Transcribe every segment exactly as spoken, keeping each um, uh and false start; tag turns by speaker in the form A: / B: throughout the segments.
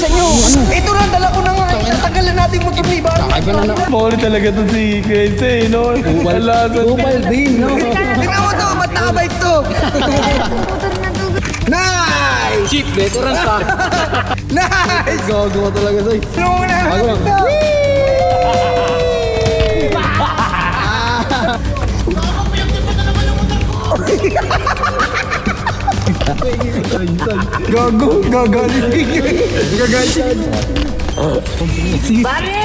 A: Isa nyo. Ito na, dala ko na nga. Tanggalan natin yung motor ni Iba.
B: Kakaiba na na.
C: Mauli talaga to si Kenzie, no? Wala sa
B: Upal din, no?
A: Tingnan mo to, ba't nakabike to? Nice!
B: Cheap, veteran ka.
A: Nice!
B: Gago talaga, Soy.
A: Ano mo na?
B: Bago lang.
A: Gago, gagaling. Gagaling.
D: Bari!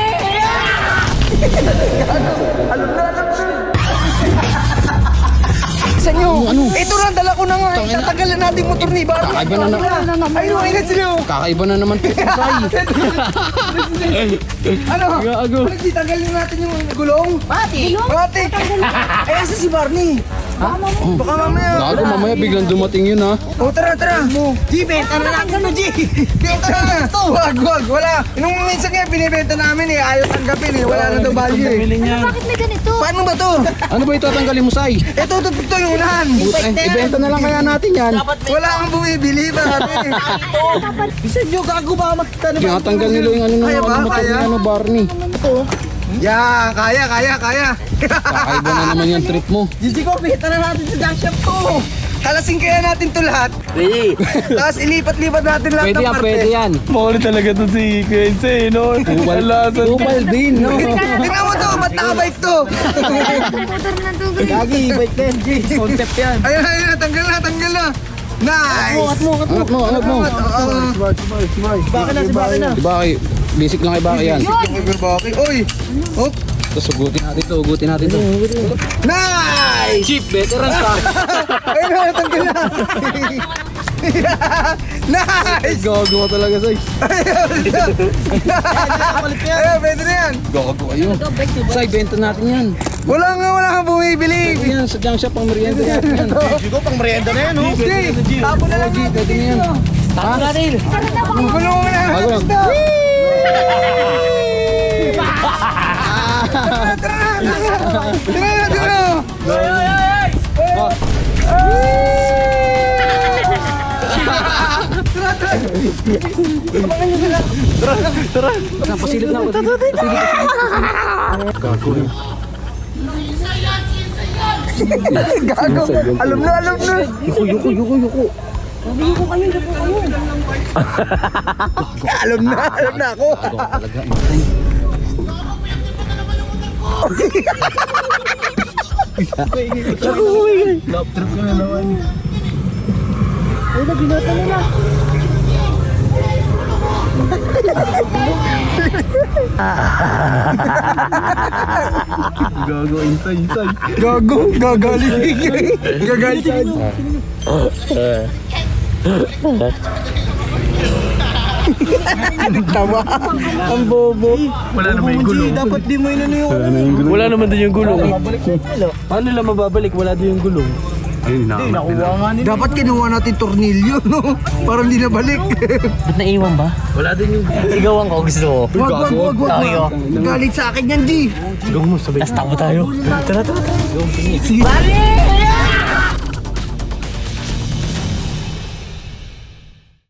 A: Isa nyo. Ito na, dala ko na nga. Tatanggalan natin yung motor ni Iba.
B: Kakaiba na na.
A: Ayun, ingat sila.
B: Kakaiba na naman to, Soy.
A: Ano?
B: Gago.
A: Ano, di tanggalin natin yung gulong?
D: Bati!
A: Mati! Ay, asa si Barney? Baka mamaya.
B: Gago, mamaya biglang dumating yun, ha?
A: O, tara, tara. G, benta na lang. Ano, G? Benta na. Wag, wag, wala. Nung minsan nga, binibenta namin eh. Ayaw tanggapin eh. Wala na daw value eh.
D: Bakit may ganito?
A: Paano ba to?
B: Ano ba ito tatanggalin mo, Soy?
A: Ito, ito, ito yung unahan.
B: Eh, ibenta na lang kaya natin yan.
A: Wala kang bumibili ba? Bisa nyo, gago ba makita na
B: Tinatanggal nila yung ano ng
A: Kaya ba?
B: motor ni
A: Kaya?
B: ano, Barney.
A: Yan, kaya, kaya, kaya.
B: Kakaiba na naman yung trip mo.
A: Gigi ko, bihita na natin sa junk shop ko. Kalasin kaya natin to lahat.
B: Pwede.
A: Tapos ilipat-lipat natin lahat
B: Pwede
A: ng
B: yan,
A: parte.
B: pwede yan.
C: Mauli talaga to si Kenzie, no? Wala sa
B: Upal din, no?
A: Tingnan mo to, ba't nakabike to?
D: Motor na to, guys.
B: Gagi, bike ten, G. Concept yan.
A: Ayun, ayun, tanggal na, tanggal na. Nice!
B: Angat mo, angat mo, angat mo.
A: Baka na, si Baka na.
B: Di ba kay, basic lang kay Baka yan.
A: Baki, uy! Oh,
B: Tapos ugutin natin to, ugutin natin to.
A: nice!
B: Cheap, veteran ka.
A: Ayun na, tanggal na. Nice!
B: Gago talaga, Soy.
A: Ayun, pwede na yan.
B: Gago kayo. Soy, benta natin yan.
A: Wala nga, wala kang bumibili.
B: Pwede yan, sa junk shop, pang merienda natin yan.
A: Siguro pang merienda na yan, oh. Jay, tapo na lang natin.
B: Pwede na yan.
D: Tapo natin.
A: Gulo mo na.
B: Bago lang.
A: Tara na, tara na. Tara na, tara na.
B: Pasilip na ako. Gago rin.
A: Gago. Alam na, alam na.
B: Yuko, yuko, yuko, yuko.
A: Alam na, alam na ako.
B: Gago talaga. Love trip ko na naman.
C: gago, inside, inside.
A: Gago, gagaling. Gagaling. Tawa. Ang bobo.
C: Wala naman yung gulong.
A: Dapat di mo inano yung...
C: Wala naman din yung gulong. Paano nila mababalik? Wala din yung gulong. Ayun, nakuha nga nila.
A: Dapat kinuha natin tornilyo, no? Para hindi na balik.
E: Ba't naiwan ba?
C: Wala din yung...
E: Sigawan ko gusto ko.
A: Wag, wag, wag, wag.
E: Tayo.
A: Galit sa akin yan, G.
C: Gawin mo, sabay.
E: Tapos takbo tayo. Tara, tara, tara.
A: Sige.
D: Bari!